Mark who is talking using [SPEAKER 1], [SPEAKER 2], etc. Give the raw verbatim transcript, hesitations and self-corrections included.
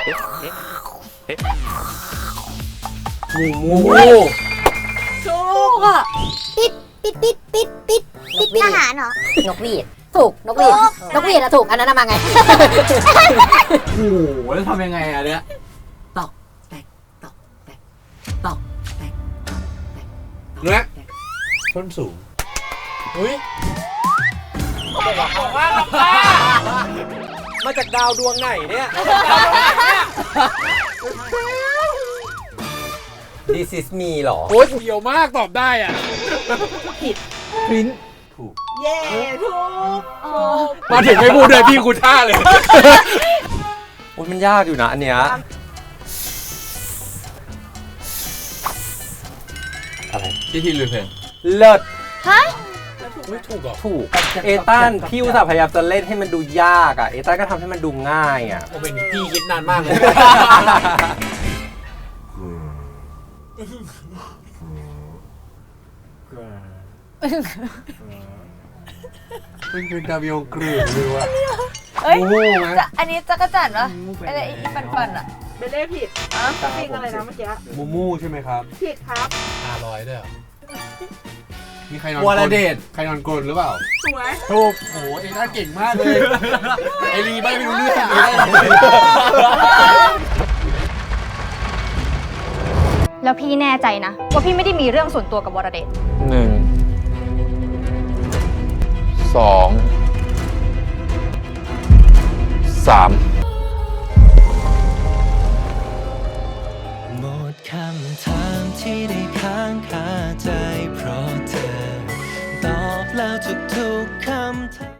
[SPEAKER 1] งูงู
[SPEAKER 2] ถูกอ่ะ
[SPEAKER 3] ปิดปิดปิดปิดปิดปิดทหารเหรอน
[SPEAKER 4] กหวีดถูกนกหวีดนกหวีดอะถูกอันนั้นมาไง
[SPEAKER 1] โอ้โหแล้วทำยังไงอะเนี่ยตอกแตกตอกแตกตอกแตกตอกแตกเนื้อส้นสูงอุ้ยบอกว่าลำบากมาจากดาวดวงไหนเนี่ย
[SPEAKER 5] This is me หรอ
[SPEAKER 1] โอ้ยเดียวมากตอบได้อ่ะพริ้นถูก
[SPEAKER 2] เย้ถูกถูก
[SPEAKER 1] มาถึงไม่พูดเลยพี่คุณท่าเลย
[SPEAKER 5] โอ้ยมันยากอยู่นะอันเนี้ยอะไร
[SPEAKER 1] ที่ที่ลืมเพลง
[SPEAKER 5] เลิศ
[SPEAKER 3] ฮะ
[SPEAKER 1] ไม่ถูกหรอ
[SPEAKER 5] ถูก เอตันพี่อุตส่าห์พยายามจะเล่นให้มันดูยากอ่ะ เอตันก็ทำให้มันดูง่ายอ่ะ
[SPEAKER 1] โอ้เป็นพี่คิดนานมากเลย
[SPEAKER 6] เป็นเป็นดาวิองกรีหรือว่า
[SPEAKER 2] เอ้ย
[SPEAKER 6] งูไหม
[SPEAKER 2] จะอันนี้จักรจั่นปะอะไรอีฟันฟันๆอ่ะ
[SPEAKER 7] เบลเล่ผิดอ่ะจริงอะไรนะเมื่อกี้
[SPEAKER 6] มูมูใช่ไหมครับ
[SPEAKER 7] ผิดครับ
[SPEAKER 1] ห้าร้อยด้วยเหรอ
[SPEAKER 6] มีใครนอน
[SPEAKER 1] วรเดช
[SPEAKER 6] ใครนอนกรนหรือเปล่า
[SPEAKER 7] ถูกไหม
[SPEAKER 6] ถูกโอ้โหเอต้าเก่งมากเลย ไอรีไม่รู้เรื่องเลย
[SPEAKER 3] แล้วพี่แน่ใจนะ ว่าพี่ไม่ได้มีเรื่องส่วนตัวกับวรเดช
[SPEAKER 8] หนึ่งสองสาม